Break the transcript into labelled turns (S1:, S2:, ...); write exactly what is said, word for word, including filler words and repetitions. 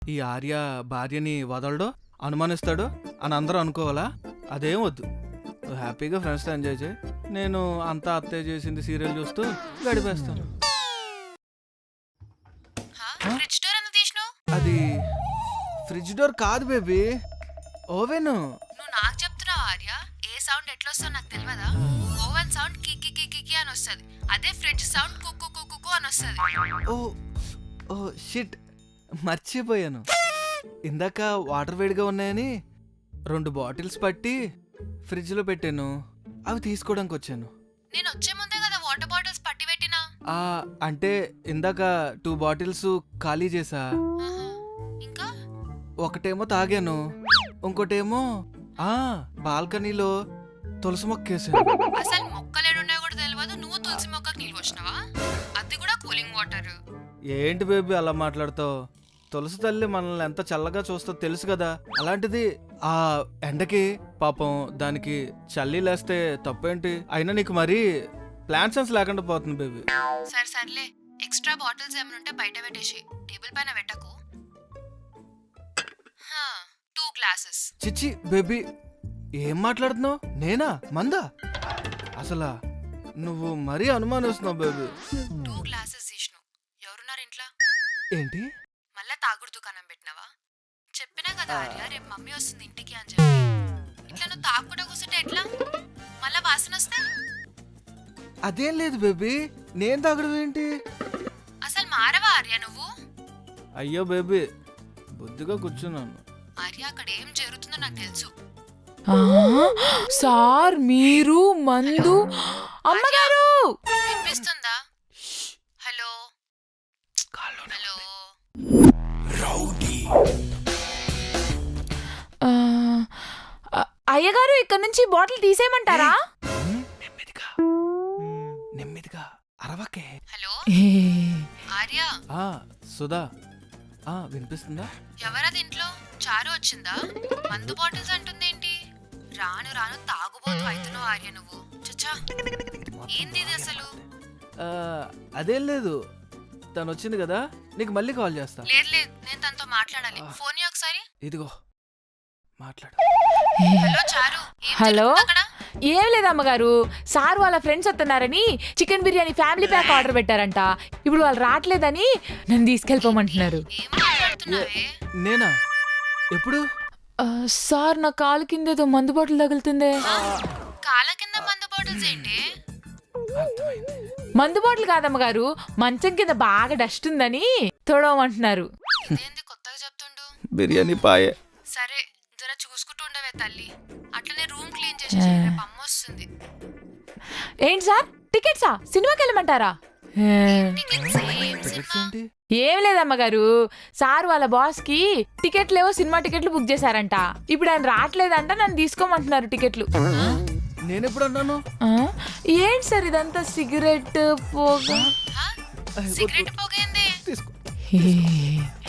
S1: ఈ ఆర్య భార్యని వదలడు, అనుమానిస్తాడు అని అందరూ అనుకోవాలా? అదేం వద్దు. హ్యాపీగా ఫ్రెండ్స్తో ఎంజాయ్ చేయి. నేను అంతా అత్తయ్య చేసింది సీరియల్ చూస్తూ గడిపేస్తాను. అది ఫ్రిడ్జ్ డోర్ కాదు బేబీ, ఓవెన్.
S2: నువ్వు నాకు చెప్తున్నావు ఆర్య, ఏ సౌండ్ ఎట్లా వస్తుందో నాకు తెలియదా? ఓవెన్ సౌండ్ కికి కికి అని వస్తుంది, అదే ఫ్రిడ్జ్ సౌండ్ కుక్కు కుక్కు అని వస్తుంది.
S1: ఓ ఓ షిట్, మర్చిపోయాను. ఇందాక వాటర్ వేడిగా ఉన్నాయని రెండు బాటిల్స్ పట్టి ఫ్రిడ్జ్లో పెట్టాను, అవి తీసుకోవడానికి వచ్చాను.
S2: నేను వచ్చే ముందే కదా వాటర్ బాటిల్స్ పట్టి పెట్టినా.
S1: ఆ అంటే ఇందాక టూ బాటిల్స్ ఖాళీ చేసా.
S2: ఇంకా
S1: ఒకటేమో తాగాను, ఇంకోటేమో ఆ బాల్కనీలో తులసి మొక్కేసాను.
S2: అసలు మొక్కలేడున్నాయో కూడా తెలియదు, నువ్వు తులసి మొక్కకు నీళ్ళు వచ్చినావా? అది కూడా కూలింగ్ వాటర్.
S1: ఏంటి బేబీ అలా మాట్లాడుతావు? తులసి తల్లి మనల్ని ఎంత చల్లగా చూస్తో తెలుసు కదా. అలాంటిది ఆ ఎండకి పాపం దానికి చల్లి లేస్తే తప్పేంటి? అయినా నీకు మరీ ప్లాన్ సెన్స్ లేకుండా పోతుంది బేబీ.
S2: సరే సర్లే, ఎక్స్ట్రా బాటిల్స్ ఏమైనా ఉంటే బయట పెట్టేసి టేబుల్ పైన పెట్టకు. Two glasses.
S1: చిచ్చి బేబీ, ఏం మాట్లాడుతున్నావు? నేనా మందా? అసలా నువ్వు మరీ అనుమానిస్తున్నావు బేబీ.
S2: టూ గ్లాసెస్ తీసినావు. ఎవరున్నారు ఇంట్లో?
S1: ఏంటి
S2: మళ్ళా తాగుడు దుకాణం పెట్టినావా? చెప్పినా కదా ఆర్య, రేపు మమ్మీ వస్తుంది ఇంటికి అని చెప్పి. ఇట్లా నువ్వు తాగుకుండా కూర్చుంటే ఎట్లా? మళ్ళా వాసన వస్తే?
S1: అదేం లేదు బేబీ, నేను తాగడం ఏంటి?
S2: అసలు మారవా ఆర్య నువ్వు?
S1: అయ్యో బేబీ, బుద్ధిగా కూర్చున్నాను.
S2: ఆర్య, అక్కడ ఏం జరుగుతుందో నాకు తెలుసు.
S3: సార్ మీరు మందు. అమ్మగారు
S2: వినిపిస్తుందా? Hello hello.
S3: అయ్యగారు, ఇక్కడ నుంచి బాటిల్ తీసేయమంటారా?
S1: నెమ్మదిగా నెమ్మదిగా అరవకే.
S2: హలో ఆర్య.
S1: ఆ సుధా, ఆ వినిపిస్తుందా?
S2: ఎవరది ఇంట్లో? చారు వచ్చిందా? మందు బాటిల్స్ అంటుందేంటి? రాను రాను తాగుబోతు అవుతున్నావు ఆర్య నువ్వు. చచ్చా, ఏంది ఇది అసలు?
S1: అదేం లేదు, తను వచ్చింది కదా, నీకు మళ్ళీ కాల్ చేస్తా.
S2: లేదు లేదు, నేను తనతో మాట్లాడాలి. ఫోన్ ఒకసారి.
S1: ఇదిగో మాట్లాడు.
S2: హలో చారు.
S3: హలో, ఏం లేదు అమ్మగారు, సార్ వాళ్ళ ఫ్రెండ్స్ వస్తున్నారని chicken biryani family pack order పెట్టారంట. ఇప్పుడు వాళ్ళు రావట్లేదని నన్ను తీసుకెళ్ళిపోమంటున్నారు.
S1: నేనా? ఎప్పుడు?
S3: సార్, నా కాలు కింద ఏదో మందు బాటిల్ తగులుతుందే.
S2: కాళ్ళ కింద మందు బాటిల్స్ ఏంటి?
S3: మందు బాటిల్ కాదమ్మగారు, మంచం కింద బాగా డస్ట్ ఉందని తోడమంటున్నారు.
S2: కొత్తగా చెప్తుండు.
S1: బిర్యానీ పాయే.
S2: సరే, జర చూసుకుంటూ ఉండవే తల్లి. అట్లనే రూమ్ క్లీన్ చేసి అమ్మ వస్తుంది.
S3: ఏంటి సార్, టికెట్సా? సినిమాకి వెళ్ళమంటారా? ఏం లేదమ్మగారు, సార్ వాళ్ళ బాస్ కి టికెట్లు ఏవో సినిమా టికెట్లు బుక్ చేశారంట. ఇప్పుడు ఆయన రావట్లేదంట, నన్ను తీసుకోమంటున్నారు టికెట్లు.
S1: నేనెప్పుడు అన్నాను?
S3: ఏంటి సార్ ఇదంతా? సిగరెట్ పోగా.
S2: సిగరెట్ పోగైంది.